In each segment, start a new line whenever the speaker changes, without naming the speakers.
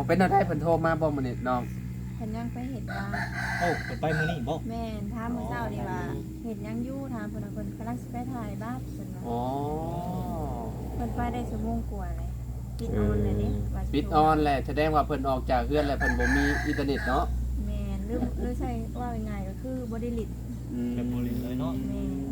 เป็นเอาได้เพิ่นโทรมาบ่มื้อนี้น้อง
เพิ่นยังไปเห็นว่า
โอ้เพิ่นไปมื้อนี้บ่
แม่นถามมื้อเช้านี่ว่าเห็นยังอยู่ถามเพิ่นว่าเพิ่นกำลังสิไปถ่ายบ้านเพิ่นว่า
อ๋อ
เพิ่นไปได้ชั่วโมงกว่าเลยปิดออนเลยเด้ว่าสิ
ปิดออนแหละแสดงว่าเพิ่นออกจากเฮือนแล้วเพิ่นบ่มีอินเทอร์เน็ตเนาะ
แม่นหรือใช่ว่าง่ายๆก็คือบ่ได้ลิด
แบบบ่ลินเลยเนาะ
แม่น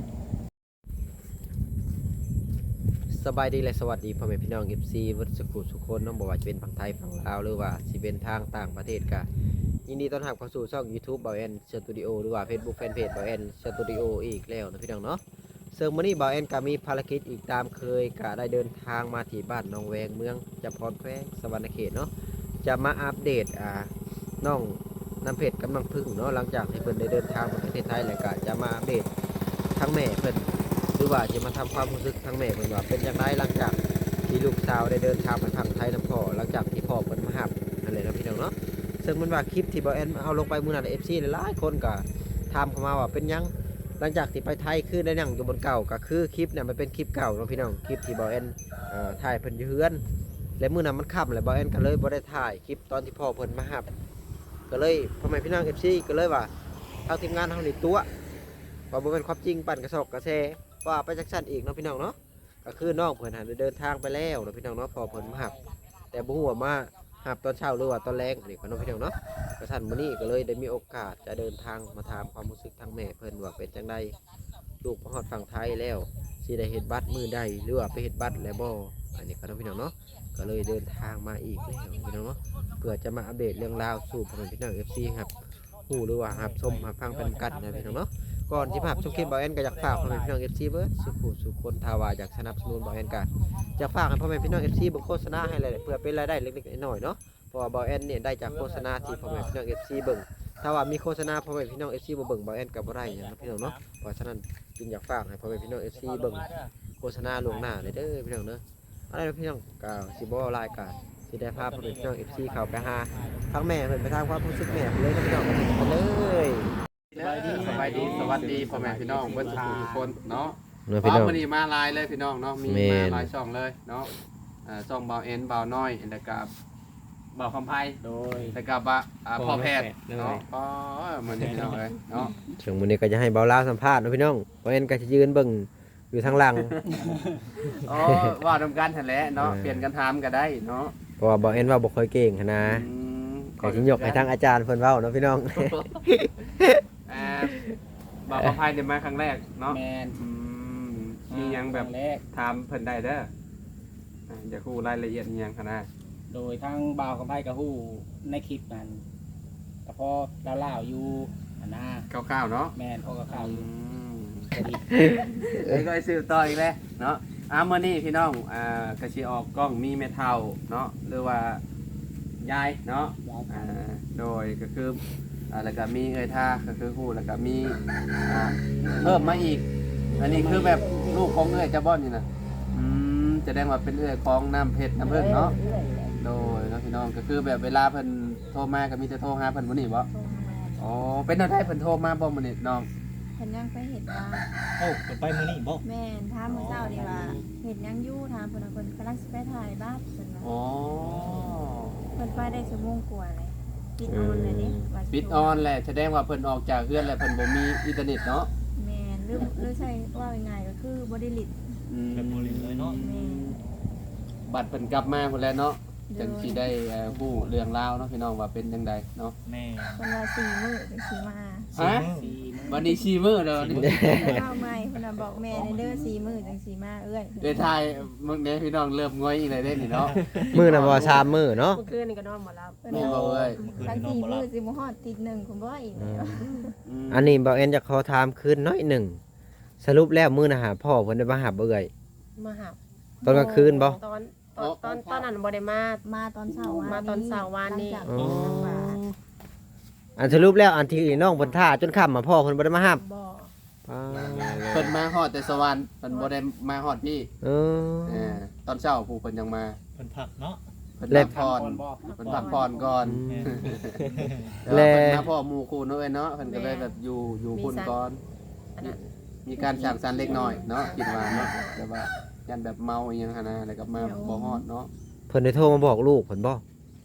สบายดีและสวัสดีพ่อแม่พี่น้อง FC วัดสกุลสุคนน้องบอกว่าจะเป็นฝั่งไทยฝั่งลาวหรือว่าสิเป็นทางต่างประเทศก็ยินดีต้อนรับเข้าสู่ช่อง YouTube บ่าวแอนสตูดิโอหรือว่า Facebook Fanpage บ่าวแอนสตูดิโออีกแล้วนะพี่น้องเนาะซึ่งมื้อนี้บ่าวแอนก็มีภารกิจอีกตามเคยก็ได้เดินทางมาที่บ้านหนองแวงเมืองจำพรแขวงสวรรณเขตเนาะจะมาอัปเดตน้องน้ำเพชรกำลังพึ่งเนาะหลังจากที่เพิ่นได้เดินทางมาประเทศไทยแล้วก็จะมาอัปเดตทั้งแม่เพิ่นหรือว่าจะมาทำความรู้สึกทั้งแม่เพิ่นว่าเป็นอย่างไรหลังจากที่ลูกสาวได้เดินทางไปพักไทยน้ำพ่อหลังจากที่พ่อเพิ่นมาหับนั่นเลยนะพี่น้องเนาะซึ่งมันว่าคลิปที่บ่าวแอนเอาลงไปมื้อนั้น FC หลายๆคนก็ถามเข้ามาว่าเป็นยังหลังจากที่ไปไทยคือได้นั่งอยู่บนเก่าก็คือคลิปเนี่ยมันเป็นคลิปเก่าเนาะพี่น้องคลิปที่บ่าวแอนถ่ายเพิ่นอยู่เฮือนและมื้อนั้นมันค่ำแล้วบ่าวแอนก็เลยบ่ได้ถ่ายคลิปตอนที่พ่อเพิ่นมาหับก็เลยพ่อแม่พี่น้อง FC ก็เลยว่าทางทีมงานเฮานี่ตัวว่าบ่เป็นความจริงปั่นกระสอบกระแสว่าไปจักซั่นอีกเนาะพี่น้องเนาะก็คือน้องเพิ่นได้เดินทางไปแล้วเนาะพี่น้องเนาะพ่อเพิ่นมาหับแต่บ่ฮู้ว่ามาหับตอนเช้าหรือว่าตอนแลงนี่ก็เนาะพี่น้องเนาะกระซั่นมื้อนี้ก็เลยได้มีโอกาสจะเดินทางมาถามความรู้สึกทางแม่เพิ่นว่าเป็นจังไดลูกมาฮอดฝั่งไทยแล้วสิได้เฮ็ดบัตรมื้อใดหรือว่าไปเฮ็ดบัตรแล้วบ่อันนี้ก็เนาะพี่น้องเนาะก็เลยเดินทางมาอีกแล้วพี่น้องเนาะเพื่อจะมาอัปเดตเรื่องราวสู่พ่อแม่พี่น้อง FC ครับฮู้หรือว่ารับชมรับฟังเป็นกันนะพี่น้องเนาะก่อนที่ภาพชมคลิปบ่าวแอนก็อยากฝากพ่อแม่พี่น้อง FC เบิดสู่คนทาวาอยากสนับสนุนบ่าวแอนก็อยากฝากให้พ่อแม่พี่น้อง FC เบิ่งโฆษณาให้เลยเพื่อเป็นรายได้เล็กๆน้อยๆเนาะเพราะว่าบ่าวแอนเนี่ยได้จากโฆษณาที่พ่อแม่พี่น้อง FC เบิ่งถ้าว่ามีโฆษณาพ่อแม่พี่น้อง FC บ่เบิ่งบ่าวแอนก็บ่ได้หยังนะพี่น้องเนาะเพราะฉะนั้นจึงอยากฝากให้พ่อแม่พี่น้อง FC เบิ่งโฆษณาล่วงหน้าเลยเด้อพี่น้องเนาะอะไรนะพี่น้องก็สิบ่รายการสิได้พาพ่อแม่พี่น้อง FC เข้าไปหาทั้งแม่เพิ่นไปทางความรู้สึกแม่เพิ่นเลยนะพี่น้องไปเลย
สบายดีสวัสดีพ่อแม่พี่น้องเพิ่นทุกคนเนาะ
เนาะ
พี่
พี่
น้
น้
อ
อง ง
มื้อนี้มาหลายเลยพี่น้องเนาะมี
แม่น
มาหลายช่องเลยเนาะช่องเบาเอ็นเบาน้อยแล้วก็เบาคำไพ
โดย
แล้วก็พ่อแพทย์เนาะอ๋อมื้อนี้พี่น้องเอ้ยเนาะ
ช่วงมื้อนี้ก็จะให้เบาลาวสัมภาษณ์เนาะพี่น้องบ่แม่นก็สิยืนเบิ่งอยู่ทางหลัง
อ๋อว่าทำกันหั่นแหละเนาะเปลี่ยนกันถามก็ได้เนาะ
เพราะว่าบ่แม่นว่าบ่ค่อยเก่งหันนะ
อืม
ก็สิยกให้ทางอาจารย์เพิ่นเว้าเนาะพี่น้อง
อ่าเบาคำไพได้มาครั้งแรกเนาะ
แมน
อืมมีหยังแบบ
แรก
ถามเพิ่นได้เด้ออย่าฮู้รายละเอียดอิหยังคั่นนะ
โดยทั้งบ่าวกับไพ่กับฮู้ในคลิปนั้นก็พอเล่าๆอยู่อันน่ะ
คร่าวๆเนาะ
แมนพอกับข่าวอยู่พอดี
เอ้ยก็ซื้อต่ออีกแล้วเนาะมื้อนี้พี่น้องก็สิออกกล้องมีแม่เฒ่าเนาะหรือว่ายายเนาะโดยก็คือแล้วก็มีเอ้ยท่าก็คือฮู้แล้วก็มีเพิ่มมาอีก อันนี้คือแบบลูกของเอ้ยจะบ่นี่น่ะแสดงว่าเป็นเอ้ยของน้ำเพชรน้ำเพิ่งเนาะโดยเนาะพี่น้องก็คือแบบเวลาเพิ่นโทรมาก็มีแต่โทรหาเพิ่นมื้อนี้บ่
โทรมา
อ๋อเป็นเอาได้เพิ่นโทรมาบ่มื้อนี้น้อง
เพิ่นยังไปเห็นว่า
โอ้เพิ่นไปมื้อนี้บ่
แม่นถามมื้อเช้านี่ว่าเห็นยังอยู่ถามเพิ่นว่าเพิ่นกำลังสิไปถ่ายบ้านเพิ่นว่า
อ๋อ
เพิ่นไปได้ชั่วโมงกว่าเลยปิดออนเลยเด้ว่าสิ
ปิดออนแหละแสดงว่าเพิ่นออกจากเฮือนแล้วเพิ่นบ่มีอินเทอร์เน็ตเนาะ
แม่นหรือใช่ว่าง่ายๆก็คือบ่ได้ลิด
แบบบ่ลินเลยเนาะ
แม่น
บัตรเพิ่นกลับมาพุ่นแล้วเนาะ
โดย
จังสิได้ฮู้เรื่องราวเนาะพี่น้องว่าเป็นจังไดเนาะ
แม่
เพิ่นว่า4มื้อจังสิมา
ฮะ
สี่มื้อ
วันนี้4มื้อเด้อนี่
ข้าวใหม่เพิ่นน่ะบอกแม่ในเด้อ4มื้อจังสิมาเอ้ย
เดี๋ยวทายมึงเนี่ยพี่น้องเริ่มง่อยอีกแล้วเด้นี่เนาะ
มื้อน่ะบ่3มื้อเนาะ
เมื่อคืนนี่ก็นอนหมดแล้ว
เพิ่น
นี่บ่เอ้ย
ตั้ง4มื้อสิบ่ฮอดติดหนึ่งคุณบ่อีกแล้ว
อันนี้บ่แอนจะขอถามคืนน้อยหนึ่งสรุปแล้วมื้อน่ะหาพ่อเพิ่นได้มาหาบ่เอ่ย
มาหา
ตอนกลางคืนบ่
ตอนนั้นบ่ได้มา
มาตอนเช้า
มาตอนเช้าวานนี้
หลังจาก
อ๋อ
ที่ทำบาตร
อันสรุปแล้วอันที่น้องเพิ่นท่าจนค่ำมาพ่อเพิ่นบ่ได้มาหับ
บ่
อ้าว
เพิ่นมาฮอดแต่สวรรค์เพิ่นบ่ได้มาฮอดพี่
เออ
ตอนเช้าผู้เพิ่นยังมา
เพิ่นพักเนาะ
เพิ่น
แล้
พั
ว
กผ่อน
บ่
เพิ่นพักผ่อนก่อน
อืม
แล้วเพิ่น
แล้ว
มาพ่อหมู่คู่เนาะเอ้ยเนาะเพิ่นก็เลยแบบอยู่พุ่นก่อน
อันนั้น
มีการสร้างสรรค์เล็กน้อยเนาะคิดว่าเนาะแต่ว่ายันแบบเมาอหยังหั่นนะแล้วก็มาบ่ฮอดเนาะ
เพิ่นได้โทรมาบอกลูกเพิ่นบ่หรือ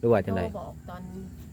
รือว่าจังได๋
โทรบอกตอน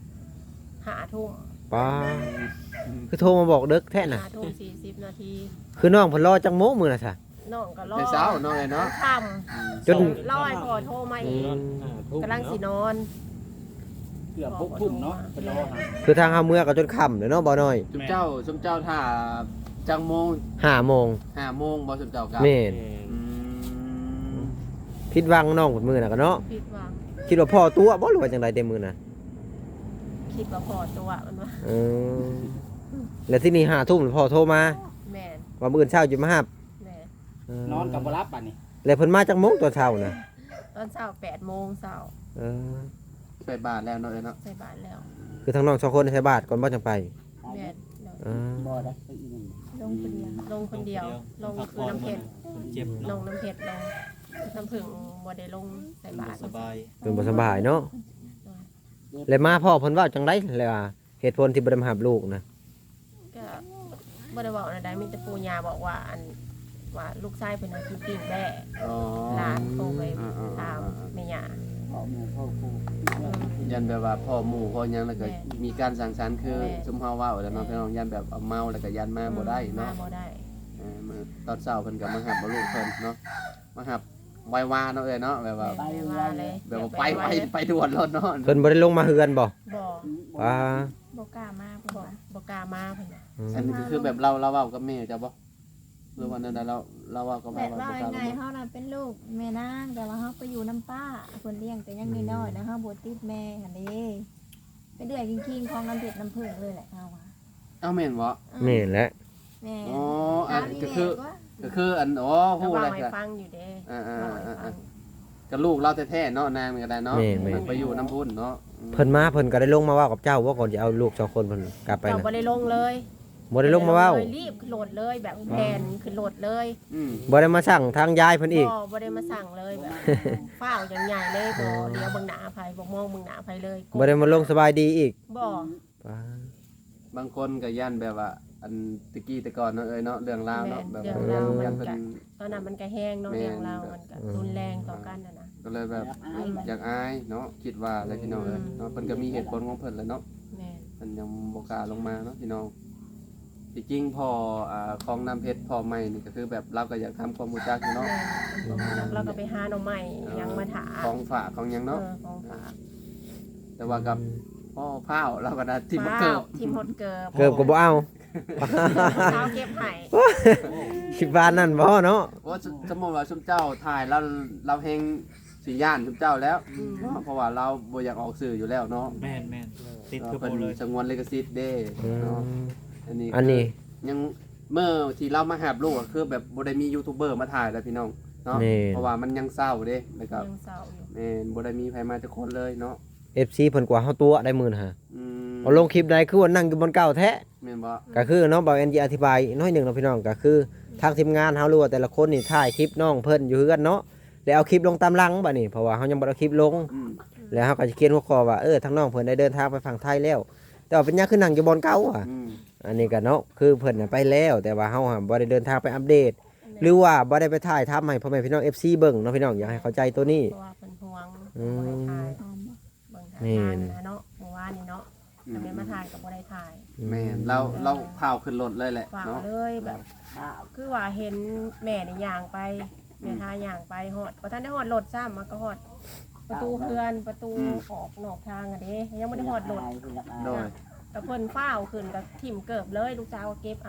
5 ทุ่ม
ป้าคือโทรมาบอกเด็กแท้น่ะ
5 ทุ่ม40 นาที
คือน้องเพิ่นรอจังโมงมื้อน่ะซะ
น้องก็รอ
แต่เช้าเนาะไอ้เนาะ
ค่
จน
ำรอให้พ่อโทรมาอีกกำลังสินอน
เกือบ6 ทุ่มเนาะเป็นรอหา
คือทางเฮาเมื่อก็จนค่ำเลยเนาะบ่น้อย
ชุมเจ้าถ้าจังโมง
5 โมง
5 โมงบ่ชุมเจ้ากลับ
แม่น
อืม
ผิดหวังน้องเพิ่นมื้อน่ะก็เนาะ
ผิดหวัง
คิดว่าพ่อตัวบ่หรือว่าจังไดเต็มมื้อน่ะ
คิดว่าพ่อตัวมันว่า
เออแล้วที่นี่5 ทุ่มพ่อโทรมา
แม่น
ว่ามื้อเช้าจะมารับ
แม่น
เ
นอนกับบ่รับบัดนี้
แล้วเพิ่นมาจังโมงตอนเช้าน่ะ
ตอนเช้า8 โมงเช้า
เออ
ใส่บาทแล้วเนาะไอ้เนาะ
ใส่บาตรแล้ว
คือทั้งน้อง2คนใช้บาทก่อนบ่จังไป
แม่นเดี๋ยว
เออ
บ่ได้ไปอีกหนึ่ง
ลงคนเดียว
ลงคนเดียว ลงคือน้ำเพชร
เจ็บ
ล
เนาะ
งน้ำเพชรลงน้ำผึ้งบ่ได้ลงใส่บาตร
สบาย
เพิ่นบ่สบายเนาะแล้วมาพ่อเพิ่นเว้าจังได๋แล้วว่าเหตุผลที่บ่ได้มารับลูกนะ
ก็บ่ได้บอกอะไรมีแต่ปู่ย่าบอกว่าว่าลูกชายเพิ่นน่ะกินปิ้งแบ่
อ๋อ
หลานโทรไป
อ่า
ถามแม่ย่า
พ่อแม่พ่อครู
ยันแบบว่าพ่อหมู่พ่อหยังแล้วก็
แม่
มีการสังสรรค์คือ
แม่
ซุมเฮาเว้าแล้วเนาะพี่น้องยันแบบเอาเมาแล้วก็ยันมาบ่ได้เนาะ
มาบ่ได้
มื้อตอนเช้าเพิ่นก็มาหับบ่ลูกเพิ่นเนาะมาหับไววาเนาะเอ้ยเนาะแบบว่า
ไปว่าเลย
แบบว่าไปด่วนรถเนาะ
เพิ่นบ่ได้ลงมาเฮือนบ่
บ่
ว่า
บ่กล้ามากเพิ่น
บ่
ว่า
บ่กล้ามาเพิ่นน่ะ
อันนี้ก็คือแบบเราเว้ากับแม่เจ้าบ่หรือว่านั่นน่ะเราเว้ากับ
แบ
แม่
บ
ว่า
ว่า
บ่กล้า
ไง
ลงมา
เฮาน่ะเป็นลูกแม่นางแต่ว่าเฮาไปอยู่น้ำป้าเพิ่นเลี้ยงแต่ยังน้อยๆนะเฮาบ่ติดแม่หั่นเด้เป็นเดือยคิงๆของน้ำเพชรน้ำผึ้งเลยแหละเฮาว่า
เอ้าแม่นบ่
แม่นแหละ
แม่
อ๋ออันก็คืออันอ๋อ
ก็
ฮู้
ว่า
แล้ว
ให้
จ้ะ
ฟังอยู่เด้
อ่า
เล่าให้ฟัง
ก็ลูกเราแท้ๆเนาะนางก็ได้เนาะ
แม่น
มันไปอยู่น้ำพุ่นเนาะ
เพิ่นมาเพิ่นก็ได้ลงมาเว้ากับเจ้าว่าก่อนจะเอาลูก2คนเพิ่นกลับไป
เรา
น่ะ
บ่ได้ลงเลย
บ่ได้ลงมาเว้า
รีบขึ้นรถเลยแบบแผนขึ้นรถเลย
อืม
บ่ได้มาสั่งทางยายเพิ่นอีก
บ่ได้มาสั่งเลยแบบฟ้าวอย่างใหญ่เลยบ่เลี้ยวเบิ่งหน้าไผบ่มองเบิ่งหน้าไผเลย
บ่ได้มาลงสบายดีอีก
บ่
ว้า
บางคนก็ย่านแบบว่า อันตะกี้แต่ก่อนเนาะเอ้ยเนาะเรื่องราวเนาะแบบ
เรื่อง
ว่า
ราว
ย่าน
มัน
เพิ่
ก็
น
ตอนนั้นมันก็แห้งเนาะ
แม่น
เรื่องราวมันก็รุนแรงต่อกันน่ะนะ
ก็เลยแบบอยากอายเนาะคิดว่าอะไรพี่น้องเอ้ยเนาะเพิ่นก็มีเหตุผลของเพิ่นแหล้วเนาะ
แม่น
เพิ่นยังบ่กล้าลงมาเนาะพี่น้องที่จริงพอของน้ำเพชรพอใหม่นี่ก็คือแบบเราก็อยากทำความรู้จักอยู่เนาะ
เราก็ไปหาหน่อไม้ยังมาถา
ของฝากของหยังเนาะ
ของฝาก
แต่ว่ากับพ่อพาวเราก็ได้ที่มันเกิด
ทีมฮอดเกิบ
เกือบก็บ่เอา
เช้าเก็บให้
คิดว่านั่นบ่เนาะ
ว่าสมมติว่าชุมเจ้าถ่ายเราเฮงสีย่านชุมเจ้าแล้วเนาะเพราะว่าเราบ่อยากออกสื่ออยู่แล้วเนาะ
แม่นแม่นติด
เรา
คือ
เป็น
โบเลย
สงวนลิขสิทธิ์เด้
อื
เนาะ
ม
อันนี้
อันนี้
ยังเมื่อที่เรามาหาบลูกก็คือแบบบ่ได้มียูทูบเบอร์มาถ่ายแล้วพี่น้องเนาะ
แม่น
เพราะว่ามันยังเศร้าเด้แล้วก็
ยังเศร้าอยู่
แม่นบ่ได้มีใครมาจักคนเลยเนาะ
FC เพิ่นกว่าเฮาตัวได้มื้อนะฮะ
อืม
เอาลงคลิปใดคือว่านั่งอยู่บนเก้าแท้
แม่นบ่
ก็คือเนาะบ่าวแอนจีอธิบายน้อยหนึงเนาะพี่น้องก็คือทางทีมงานเฮารู้ว่าแต่ละคนนี่ถ่ายคลิปน้องเพิ่นอยู่คือกันเนาะแล้วเอาคลิปลงตามหลังบัดนี้เพราะว่าเฮายังบ่ได้เอาคลิปลง
อืม
แล้วเฮาก็จะเขียนหัวข้อว่าทางน้องเพิ่นได้เดินทางไปฝั่งไทยแล้ว แต่ว่าเป็นหยังคือนั่งอยู่บนเก่าอ่ะ
อืม
อันนี้ก็เนาะคือเพิ่นน่ะไปแล้ว แต่ว่าเฮาบ่ได้เดินทางไปอัปเดต หรือว่าบ่ได้ไปถ่ายทำให้พ่อแม่พี่น้อง FC เบิ่งเนาะพี่น้องอยากให้เข้าใจตัวนี้
เพราะว่าเป็นห่วง
อืม
บ่ได้ถ่าย
หอมบ่
เบิ่ง
แม่
ทาง
น
นะเนาะเมื่อวานนี้เนาะ
อื
อัน
ม
นี้มาถ่ายกับบ่ได้ถ่าย
แม่นเราพาวขึ้นรถเลยแหละ
ฝาก
เนาะ
เลยแบบคือว่าเห็นแม่นี่ย่างไปแม่ทาย่างไปฮอดบ่ทันได้ฮอดรถซ้ำมันก็ฮอดประตูเฮือนประตูออกนอกทางอ่ะเด้ยังบ่ได้ฮอดรถ
โดย
แต่เพิ่นฟ้าวขึ้นก็ทิ่มเกิบเลยลูกสาวก็เก็บเอา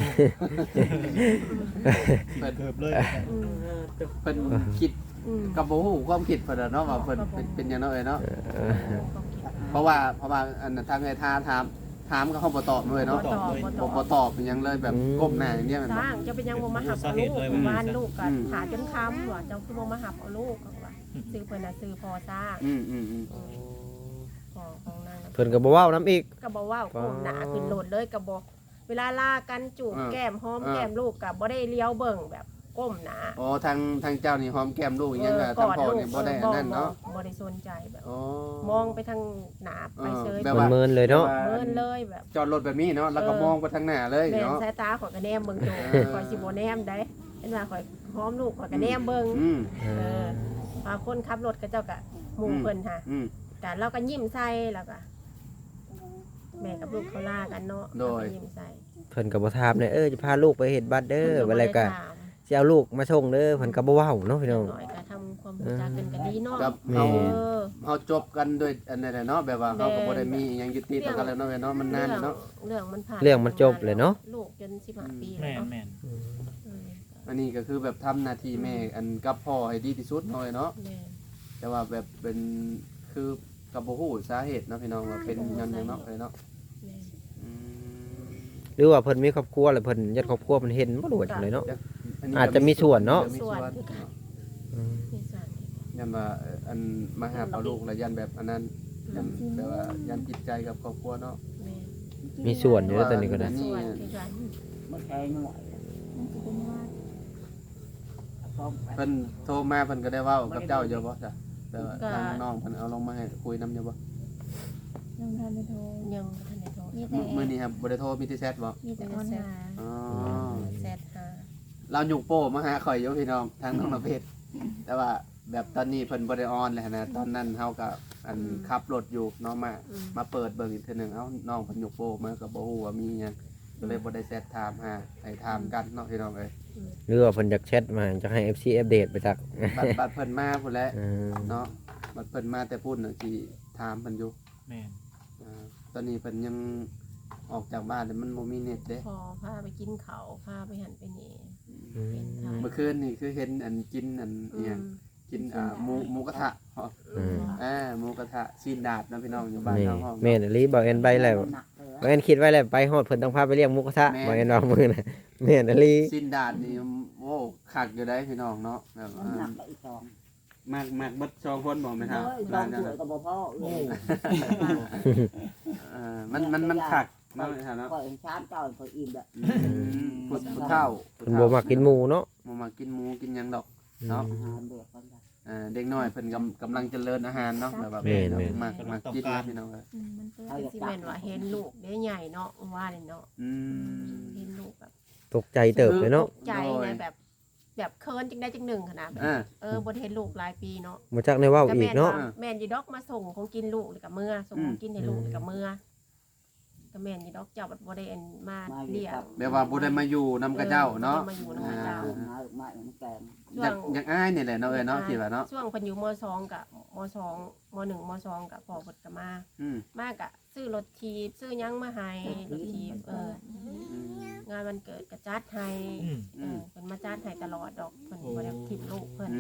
เพิ่น
เกือบเลย
อืม
เพิ่นคิด
อืม
กับบ่ฮู้ความคิดเพิ่นอะเนาะว่าเพิ่นเป็นหยังเนาะเอ้ยเนาะ
ความคิด
เพราะว่าอันนั้นทางไอ้ทาถามก็เขาบ่ตอบเลยเนาะ
บ่ตอบบ่ตอบ
บ่ตอบเป็นหยังเลยแบบก้มหน้าอย่างเดียวแม่น
ส
บ่
ร้างจะเป็นยังบ่มาหับเอาลูกบ้านลูกก็หาจนค้ำว่าเจ้าคือบ่มาหับเอาลูกว่าซื้อเพิ่นน่ะซื้อพอสร้าง
อืม
พอของนางน่ะ
เพิ่นก็บ่เว้านํอีก
ก็บอกว่าก้มหน้าขึ้นโหลดเลยก็บอกเวลาลากันจูบแก้มหอมแก้มลูกก็บ่ได้เลี้ยวเบิ่งแบบก้มหน้า
อ๋อทางเจ้านี่หอมแก้มลูกอีหยังก็ทางพ่อนี่บ่ได้อันนั้นเนาะ
บ่ได้สนใจแบบ
อ๋อ
มองไปทางหน้าไปเฉย
แบบว่า
เมินๆเลยเนาะ
เมินเลยแบบ
จอดรถแบบนี้เนาะแล้วก็มองไปทางหน้าเลย
แม่น
เนาะ
สายตาข่อยก็แนมเบิ่งโจข่อยสิบ่แนมได้เห็นว่าข่อยหอมลูกข่อยก็แนมเบิ่ง
อืม
บางคนขับรถก็เจ้าก็หมู่เพิ่นค่ะ
อืม
กกันเราก็ยิ้มใส่แล้วก็แม่กับลูกเขาล่ากันเนาะเราก็ยิ้มใส่
เพิ่นก็บ่ถามเลยจะพาลูกไปเฮ็ดบัตรเด้อว่าแล้วก็
บ่ได้ถาม
สิเอาลูกมาส่งเด้อเพิ่นก็บ่เว้าเนาะพี่น้อง
น้อยก็ทำความรู้จักกันก็ดีเนาะ
กับ
แม่
เอาจบกันด้วยอันนั้นแหละเนาะแบบว่าเขาก็บ่ได้มีอิหยังยึดติดต่อกันแล้วเนาะเนาะมันนานเนาะ
เรื่องมันผ่าน
เรื่องมันจบเลยเนาะ
ลูกจน15ปี
แม่
แล้ว
น
เนาะ
แม่น
อันนี้ก็คือแบบทำหน้าที่แม่อันกับพ่อให้ดีที่สุดหน่อยเนาะ
แม่น
แต่ว่าแบบเป็นคือกับบ่ฮู้สาเหตุเนาะพี่น้องว่าเป็นหยังเนาะเนาะ
แม่น
อืม
หรือว่าเพิ่นมีครอบครัวแล้วเพิ่นยัดครอบครัวมันเห็นบ่รู้ว่าจังไดเนาะ
นนี้
อาจจะมีส่วนเนาะ
มีส่วน
มีสาร
ยันว่าอันมาหาเอาลูกแล้วยันแบบอันนั้นยันแบบว่ายันจิตใจกับครอบครัวเนาะ
แม่น
มีส่วนอยู่แล้วตอนนี้ก็ได้
ส่วนคือกัน
บ่ใช่หน่วย
มันจะเป็นว่า
เพิ่นโทรมาเพิ่นก็ได้เว้ากับเจ้าอยู่บ่จ้ะแต่ว่าทางน้องเพิ่นเอาลงมาให้คุยนำอยู่บ่
ยังทันไปโทร
ยังบ่ทันได้โทร
มีแต่
มื้อนี้ครับบ่ได้โทรมีแต่แชทบ่
มีแต่ออนหา
อ๋อ
แซดหา
เราหยุกโป้มาหาข่อยอยู่พี่น้องทางน้องประเภทแต่ว่าแบบตอนนี้เพิ่นบ่ได้ออนเลยนะตอนนั้นเฮาก็อันขับรถอยู่เนาะมาเปิดเบิ่งอีกเทื่อนึงเอ้าน้องเพิ่นหยุกโป้มาก็บ่ฮู้ว่ามีหยังก็เลยบ่ได้แชทถามหาให้ถามกันเนาะพี่น้องเอ้ย
หรือว่าเพิ่นอยากแชทมาจะให้ FC อัปเดตไปจัก
บัดเพิ่นมาพุ่นแหละ
เออ
เนาะบัดเพิ่นมาแต่พุ่นน่ะสิถามเพิ่นอยู่
แม่น
ตอนนี้เพิ่นยังออกจากบ้านแต่มันบ่มีเน็ตเด้
พอพาไปกินเขาวพาไปหันไปนี่
อืม
เป็นทาง
เมื่อคืนนี่คือเห็นอันกินอันเอียงกินหมูกระทะ หมูกระทะซีนดาดนะพี่น้องอยู่บ้าน
นี่
ทางห้อง
แม่นอีหลีบ่แอนไปแล้วบ่แอนคิดไว้แล้วไปฮอดเพิ่นต้องพาไปเลี้ยงหมูกระทะบ่แอนว่ามื้อน่ะแม่นอีหลี
ซีนดาดนี่โอ้คักอยู่ได้พี่น้องเนาะแบบมากเบิด2คนบ่แม่นครับร้านนั้นน่ะมันคักเนาะเนาะ
coi chán coi coi im đợi
ผู้เฒ่า
เพิ่นบ่มักกินหมูเนาะ
บ่มากินหมูกินหยังดอกเนาะ
được con ra
เด็กน้อยเพิ่นกำลังเจริญอาหารเนาะแบบว่ามากินนะพี่น้องเอ้ย
มันเปิด
ก็สิแม่นว่าเห็นลูกได้ใหญ่เนาะว่านี่เนาะ
อืม
เห็นลูกแบบ
ตกใจเติบเลยเนาะ
ใจนะแบบเคินจังได้จังหนึ่งขนาดแบบ บ่ได้เห็นลูกหลายปีเนาะ
บ่จักในเว้าอีกเนาะ
แม่นยีดอกมาส่งของกินลูกหรือกับเมื่อส่งของกินให้ลูกหรือกับเมื่อก็แม่นยีดอกเจ้าบัดบ่ได้มาเลี้ยง
แบบว่าบ่ได้มาอยู่นำกับเจ้าเนาะ
มาอยู่นำกับเจ้า
má mẹ nó kèm
อยากอ้ายนี่แหละเนาะเอ้ยเนาะคิดว่าเนาะ
ช่วงเพิ่นอยู่ม.2กับม.2ม.1ม.2กับพ่อเพิ่นก็มา
อืม
มากะซื้อรถทีบซื้อหยังมาให้รถทีบงานวันเกิดก็จัดให้เพิ่นมาจัดให้ตลอดดอกเพิ่นบ่ได้ทิมลูกเพิ่น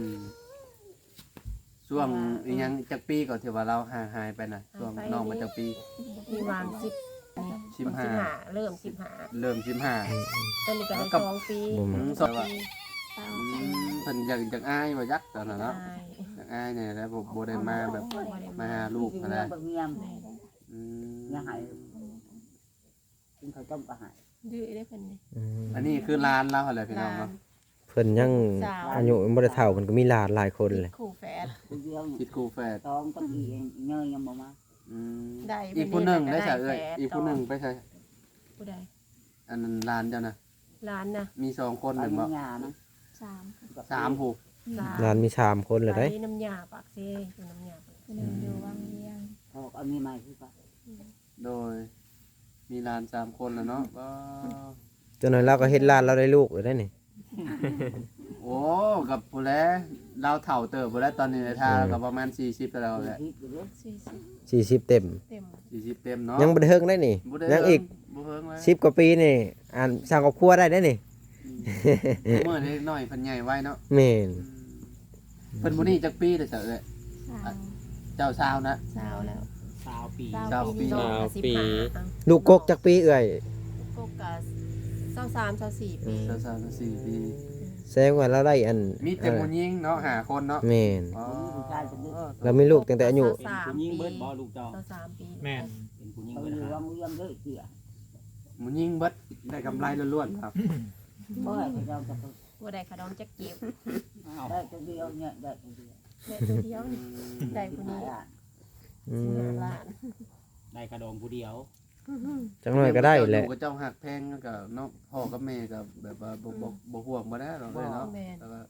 ช่วงอีหยังจักปีก่อนที่ว่าเราห่างหายไปน่ะช่วงน้องมาจักปี
มีวาง10
15
เริ่ม15
เริ่ม15
ตอนนี้ก็ได้2ปี
สองปี
เปล่า
เพิ่นอยากอ้ายว่ายักตอนนั้นเนาะ
ใช่
อยากอ้ายเนี่ยแล้วบ่ได้มาแบบ
บ่ได้
มาหาลูก
Cái
นะ
nghe bậc nghiêm
อืม
nghe hại chúng phải trong cả hại
ดื้อได้เพิ่นนี่
อันนี้คือร้านเราหั่นแหละพี่น้องเนาะ
เพิ่นยังอายุบ่ได้เฒ่าเพิ่นก็มีหลานหลายคนเลย
คู่แฝด
cái dương
คิดครูแฝด
tóm có gì nhơi nhưng mà má
อืม
ได้
อีกผู้หนึงได้
ได้
ซะเอ้ย
แฝด
อีกผู้หนึงไปใช่
ผู้ใด
อันนั้นร้านเจ้าน่ะ
ร้านน่ะ
มี2คน
ở
แม่นบ่
nhà nó
3
3ผู้
หลานมี3คนเลยได้
น้ำยาปากเซ่อยู่น้ำยาปาก
คนหนึ่งอยู่วังเวียง
thôi ở mi mày cứ vậy
โดยมีร้าน3คนแล้วเนาะก็
จนนั้นเราก็เฮ็ดหลานเราได้ลูกเลยได้นี่
โอ้กับผู้แลเราเฒ่าเติบบ่แล้วตอนนี้ท่าก็ประมาณ40แล้วแหละ
thịt rồi đấy
40เต็ม
เต็ม
40เต็มเนาะ
ยังบ่ได้เฮิงได้นี่
บ่ได้
ยังอีก
บ่เฮิงเลย
10กว่าปีนี่อ่านสร้างครอบครัวได้ได้นี่
เมื่อเล็กน้อยเพิ่นใหญ่ไว้เนาะ
แม่น
เพิ่นบ่นี่จักปีเด้อเจ้าเอ้ย
3
เจ้าสาวนะ
เช้าแล้ว
20 ปี
เช้าปี
น้องก็15
ลูกกกจักปีเอ่ย
ก็กะ23 24ปี
เจ้าสาว4ปี
แสดงว่าเราได้อัน
มีแต่ผู้หญิงเนาะ5คนเนาะ
แม่น
อ๋อ
เรามีลูกตั้งแต่อายุ
เป็นผู้หญิงเบิดบ่ลูกเจ้า
23ปี
แม่นเป็นผู้หญิง
ở
เบิด
người
หา
ông nghiêm đấy kìa
ผู้หญิงเบิดได้กำไรล้วนๆครับ
bố lại phải đâu cho tôi
บ่ได้ขะดองจักเก็บ
อ้าว
đây tôi đi ông nhận đây tôi đi
ได้ตัวเดียวนี่ได้ผู้นี้
hại à
อืม
15ล้าน
ได้กระดองผู้เดียว
จังหน่อยก็ได้แหละ
อยู่กับเจ้าหักแพงก็เนาะพ่อกับแม่ก็แบบว่าบ่ห่วงบ่ได้หรอกเลยเนาะ
แม่น
แล้วก็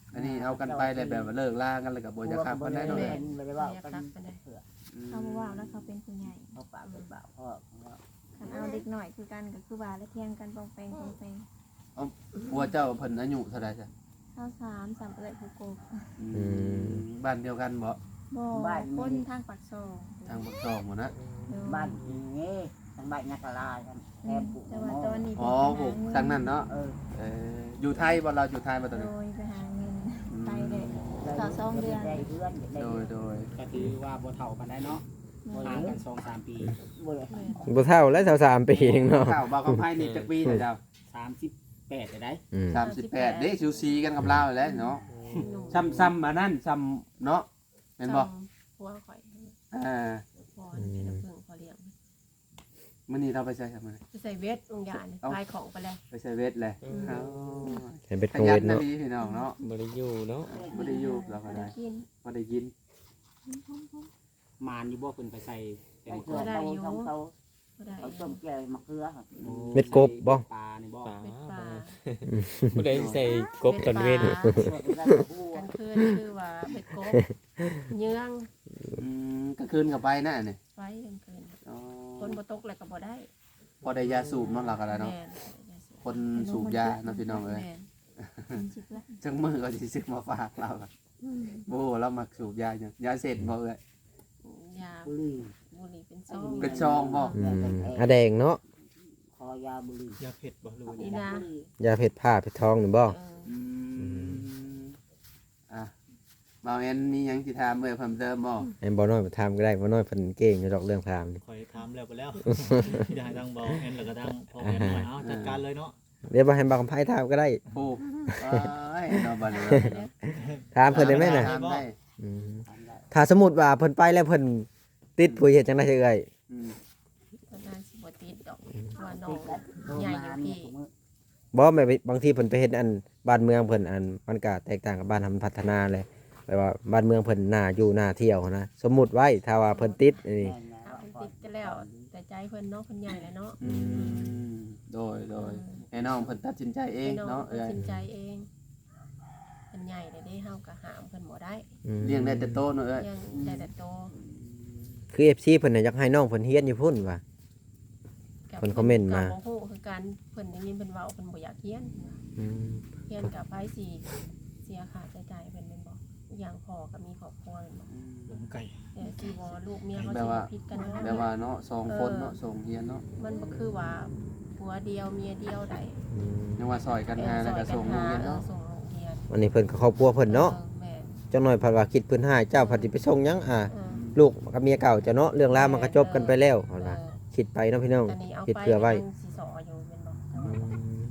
อันนี้เอากันไปเลยแบบว่าเลิกลากันแล้วก็บ่จะคักปานใดเนาะ
แม่
เอ้ย
บ่ได้ว่ากัน
เขาบอกว่าแล้วเขาเป็นผู้ใหญ่
เขาปากเป็นบ่าวพ่อของเรา
คันเอาเด็กหน่อยคือกันก็คือว่าและเทียงกันปองแปงปองแปง
ผัวเจ้าเพิ่นอายุเท่าใดจ้ะ
ข้าวสามเอื้อยผู้โกก
บ้านเดียวกันบ่
บ่คนทางปากซอง
ทางบักซองบ่นะ
บ้านนี้ทางบ้านนักลากันแทบปลูก
แต่ว่าตอนนี้
อ๋อพวกทางนั้นเนาะ
เออ
อยู่ไทยบ่เราอยู่ไทยบ่ตอน
โด
นี้
ยไปหาเงินไปเลยต่อ2 เดือน
ได้เพื่อนได้
โดย
ก็ถือว่าบ่เฒ่าปานใดเนาะห่างกัน 2-3 ปี
บ่ได้
บ่เท่าแล้ว3 ปีเองเนาะ
ข้าวบ่าวคำไผนี่จักปีเลยเจ้า
38ได้
อืม
38เด้สูสีกันกับเราแหล้วเนาะซ้ำอันนั้นซ้ำเนาะแม่นบ่
ผัวข่อย
อ่า
พอนี่น้ำผึ้งพอเลี้ยง
มื้อนี้เราไปใช้ครับมื้อนี้
ไปใส่เวทองยานี่ขายของไปแล้ว
ไปใช้เวทเลยเอา
เห็นเป็น
ข
โค
ยั
วิ
น
ด
นะ
เนาะ
พี่พี่น้องเนาะ
บ่ได้อยู่เนาะ
บ่ได้อยู่เราก็ได้
กิน
บ่ได้ยิน
มานอยู่บ่เพิ่นไปใส่แต่
ได้
ละ
เพื่อนเขาทำเขา
ก็ได้
เขาต้มแก้วมะเขือ
เม็ดกบบ่
ปลานี่บ่
ป่า
เป็ดปลา
บ่ได้ใส่กบตอนเว้น
กลางคืนคือว่าเป็ดกบเยื้อง
ก็คืนกับไปนะนี่
ไว้กลางคืน
อ๋อ
คนบ่ตกแล้วก็บ่ได้
พอได้ยาสูบเนาะเราก็ได้เนาะ
แม่น
คนสูบยาเนาะพี่น้องเอ้ย
แม่น
สิบละ
จังมือก็สิซื้อมาฝากเราอะโอ้เรามักสูบยาจังยาเสร็จบ่เอ้ย
ยา
บุหรี่
บุหรี่เป็นซอง
เป็นซองบ่
อะแดงเนาะ
คอยาบุหรี่
ยาเผ็ดบ่รู้
นี่นะ
ยาเผ็ดผ้าเผ็ดทองนี่บ่
อ่ะบ่าวแอนมีหยังสิถามเอ้ยเพิ่มเติมบ่
แม่นบ่น้อยมาถามก็ได้บ่น้อยเพิ่นเก่งอยู่ดอกเรื่องถามนี่
คอยถามแล้วไปแล้วที่ได้ทางเบาแอนแล้วก็ทางพ่อแม่หน่อยเอาจัดการเลยเนาะ
เดี๋ยวบ่ให้บักคำไผถามก็ได้
โอ้ยเนาะบัดนี้
ถามเพิ่นได้ไหมน่ะ
ถามได้
อืมถ้าสมมุติว่าเพิ่นไปแล้วเพิ่นติดผู้เฮ็ดจังได๋เอ้ย
อืม
ตอนนั้นสิบ่ติดดอกว่าน้อ
ติ
ง
ดกันโทรมาเนี่ยผม
บ่แม่บางทีเพิ่นไปเฮ็ดอันบ้านเมืองเพิ่นอันมันก็แตกต่างกับบ้านทำพัฒนาเลยแปลว่าบ้านเมืองเพิ่นน่าอยู่น่าเที่ยวนะสมมุติไว้ถ้าว่าเพิ่นติดอันนี้
ถ้าเพิ่นติดจะแล้ว แต่ใจเพิ่นเนาะเพิ่นใหญ่แล้วเนาะ
โดยให้น้องเพิ่นตัดสินใจเอง
ให้น้อง
เนาะ
ตัดสินใจเองเพิ่นใหญ่แล้วเด้เฮาก็ห้ามเพิ่นบ่ได้
เลี้ยงได้แต่โตเนาะเอ้ย
ยังได้แต่โต
คือ FC เพิ่นน่ะอยากให้น้องเพิ่นเฮียนอยู่พุ่นว่ะ เพิ่นคอมเมนต์มา
ก็บ่ฮู้คือการเพิ่นได้ยินเพิ่นเว้าเพิ่นบ่อยากเฮียน
อืม
เฮียนกับไผสิเสียค่าใช้จ่ายเพิ่นแม่นบ่อย่างพ่อก็มีครอบครัวแม่นบ่
หลงไก่
แต่สิบ่ลูกเมียเขา
แบ
สิ
บว่า
บ่ผิดกันเนาะ
แบบว่าเนาะสองคนเนาะส่งเฮียนเนาะ
มันบ่คือว่าผัวเดียวเมียเดียวได้
อืม
ยังว่าซอยกันหาแล้วก็ส่งโรงเรียนเนาะ
ส่งโรงเรียน
อันนี้เพิ่นก็ครอบครัวเพิ่นเนาะ
แม่น
จังหน่อยเพิ่นว่าคิดเพิ่นให้เจ้าเพิ่นสิไปส่งหยัง
เออ
ลูกกับเมียเก่าเจ้าเนาะเรื่องราวมันก็จบกันไปแล้วเพิ่นว่าคิดไปเนาะพี่น้อง
อันนี้เอา
คิด
ไป
เผื่อไว้
ยังสิสออยู่แม่นบ่
อืม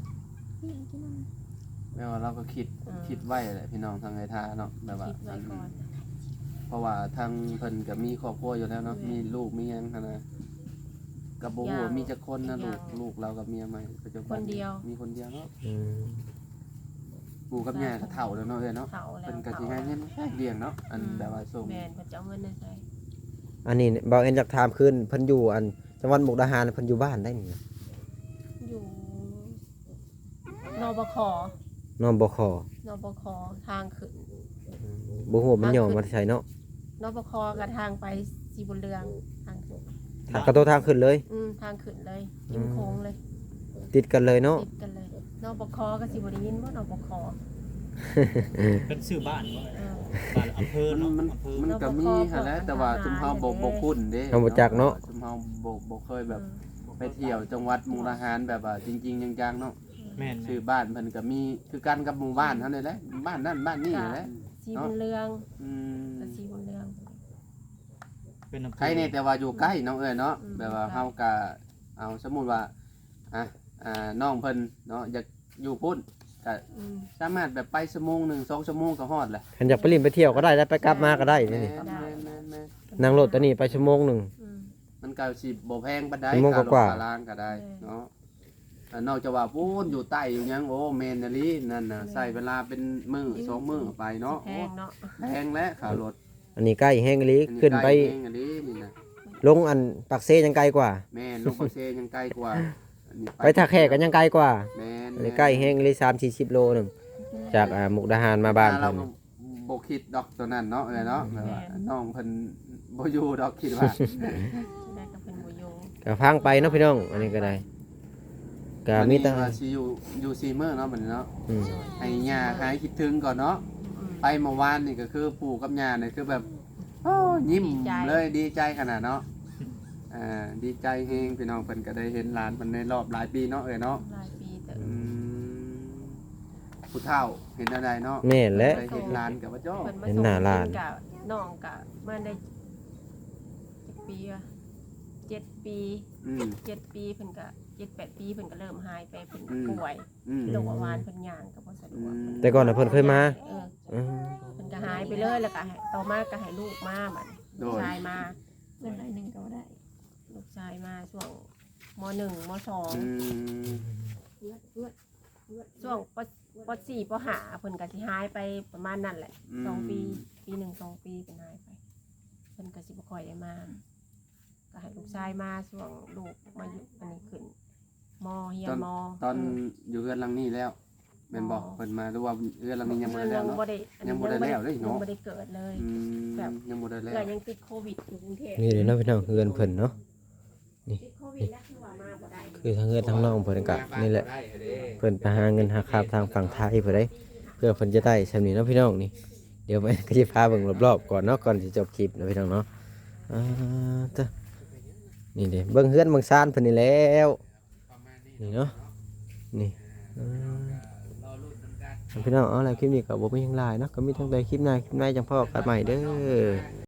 แบบว่าเราก็คิดไว้แหละพี่น้องทางไอ้ทาเนาะแบบว่า
คิดไว้ก่อน
เพราะว่าทางเพิ่นก็มีครอบครัวอยู่แล้วเนาะมีลูกมีหยังหั่นน่ะก็บ่ฮู้ว่ามีจักคนนะลูกเรากับเมียใหม่ปัจจุบั
คนเดียว
มีคนเดียวเนาะ
อืม
ปู่กับย่าก็เฒ่าแล้วเนาะเอ้ยเนาะ
เฒ่าแล้ว
เพิ่นก็สิให้เงินเลี้ยงเนาะอันแบบว่าส่ง
แม่นเพิ่นจะเอาเงินได้ใส่
อันนี้เบาเอ็นอยากถามคืนเพิ่นอยู่อันจังหวัดมุกดาหารเพิ่นอยู่บ้านได้นี่นะ
อยู่นบข
นอนบ่คอน
บขทางขึ้น
บ่ฮู้ว่ามันย่อมาใส่เนาะ
นบขกับทางไปสีบุญเรืองทางขึ้น
ทางกระโตทางขึ้นเลย
ทางขึ้นเลยริมโค้งเลย
ติดกันเลยเนาะ
ติดกันเลยนบขกับสีบุรียินว่านบข
เป็นชื่อบ้านบ่
เออ
บ้านอำเภอเนาะ
มัน
อำเภอ
มันก็มีหั่นแหละแต่ว่าซุมเฮาบ่คุ้นเด้
เฮาบ่จักเนาะ
ซุมเฮาบ่เคยแบบไปเที่ยวจังหวัดมุกดาหารแบบว่าจริงๆจังๆเนาะ
แม่น
ชื่อบ้านเพิ่นก็มีคือกันกับหมู่บ้านเท่านั้นแหละบ้านนั่นบ้านนี่นั่นแหละ
สีบุญเรือง
อืม
กับสีบุญเรือง
เป็นอำเภอ
ใครเนี่ยแต่ว่าอยู่ใกล้น้องเอ้ยเนาะ
อืม
แบบว่าเฮาก็เอาสมมุติว่าน้องเพิ่นเนาะอยากอยู่พุ่นก็
อืม
สามารถแบบไปชั่วโมงหนึง2ชั่วโมงก็ฮอดแหละ
คันอยากไปลินไปเที่ยวก็ได้แล้วไปกลับมาก็ได้นี่
แม่
นี่
นแม่นแม่นแม่น
นั่งรถตัวนี้ไปชั่วโมงหนึง
อืม
มันก็สิบ่แพงปานใด
ชั่วโมงกว่าๆ
ค่ารถค่าล่างก็ได้เนาะนอกจากว่าพูนอยู่ใต้อยู่หยังโอ้แม่นอีหลีนั่นน่ะใช้เวลาเป็นมื้อ2มื้อไปเนาะ
แพงเนาะ
แพงแล้วค่ารถ
อันนี้ใกล้แห้งอีหลีขึ้นไป
แพงอันนี้นี่นะ
ลงอันปักเซยังไกลกว่า
แม่นลงประเซยังไกลกว่าอันนี้
ไปท่าแขกก็ยังไกลกว่า
แม่น
อันนี้ใกล้แห้งอีหลี3-40 โลหนึงจากมุกดาหารมาบ้าน
เรา
เพิ่น
ก็บ่คิดดอกตัวนั้นเนาะเนาะแบบว่าน้องเพิ่นบ่อยู่ดอกคิดว่า
ได้กับเป็นบุโย
ก็ฟังไปเนาะพี่น้องอันนี้ก็ได้ก็
วัน
มี
นี้
แต่
ว่าสิอยู่ซีเมอร์เนาะบัดนี้เนาะ
อืม
ให้ย่าหายคิดถึงก่อนเนาะไปเมื่อวานนี่ก็คือปู่กับย่าเนี่ยคือแบบโอ้ยิ้มเลยดีใจขนาดเนาะดีใจเฮงพี่น้องเพิ่นก็ได้เห็นหลานเพิ่นในรอบหลายปีเนาะเนาะ
หลายปีแต่
ผู้เฒ่าเห็นอะไรเนาะ
แม่นและ
ได้เห็นหลานกับว่าจ้อ
เพิ่นมา
เห็น
ส่ง
หน้าหลาน
กับน้องกับมันได้7 ปีอะ7 ปี
อืม
7 ปีเพิ่นก็7-8 ปีเพิ่นก็เริ่มหายไปเพิ่นก็
อืม
ป่วย
อืม
โรคเบาหวานเพิ่นย่างก็บ่สะดวก
แต่ก่อนน่ะเพิ่นเคยมา
อืมเพิ่นก็หายไปเลยแล้วก็ให้ต่อมาก็ให้ลูกมาบัด
โด
ลูก
ย
ชายมา
เพิ่นได้หนึงก็บ่ได้
ลูกชายมาช่วงม1ม
อื
2
ม
ช่วงป .4 ป .5 เพิ่นก็สิหายไปประมาณนั้นแหละ
อืม
2 ปี ปี 1 2 ปีเพิ่นหายไปเพิ่นก็สิบ่ค่อยได้มาก็ให้ลูกชายมาช่วงลูกมาอยู่อันนี้ขึ้นมเฮียนม
ตอนอยู่เรือนหลังนี้แล้วแม่นบอกเพิ่นมาหรือว่าเรือนหลังนี้ยังบ่ได้แล้วเนาะ ยังบ่ได้แล้วเลยเนาะ
ยังบ่ได้เกิดเลย
อืมยังบ่ได้แล้ว
เกิดยังติดโควิดอยู่กรุงเทพ
นี่เลยเนาะพี่น้องเฮือนเพิ่นเนาะ
ติดโควิดแล้วคือว่ามาบ่ได้
คือทางเฮือนทางน้องเพิ่นก็นี่แหละเพิ่นไปหาเงินหาคาบทางฝั่งไทยเพิ่นได้เพื่อเพิ่นจะได้ซำนี้เนาะพี่น้องนี่เดี๋ยวไปก็สิพาเบิ่งรอบๆก่อนเนาะก่อนสิจบคลิปเนาะพี่น้องเนาะเด้อนี่เด้เบิ่งเฮือนเบิ่งซ่านเพิ่นนี่แล้วนี่เนาะนี่พี่น้องเอาล่ะคลิปนี้ก็บ่มีหยังหลายเนาะก็มีทั้งใดคลิปหน้าจังพอกันใหม่เด้อ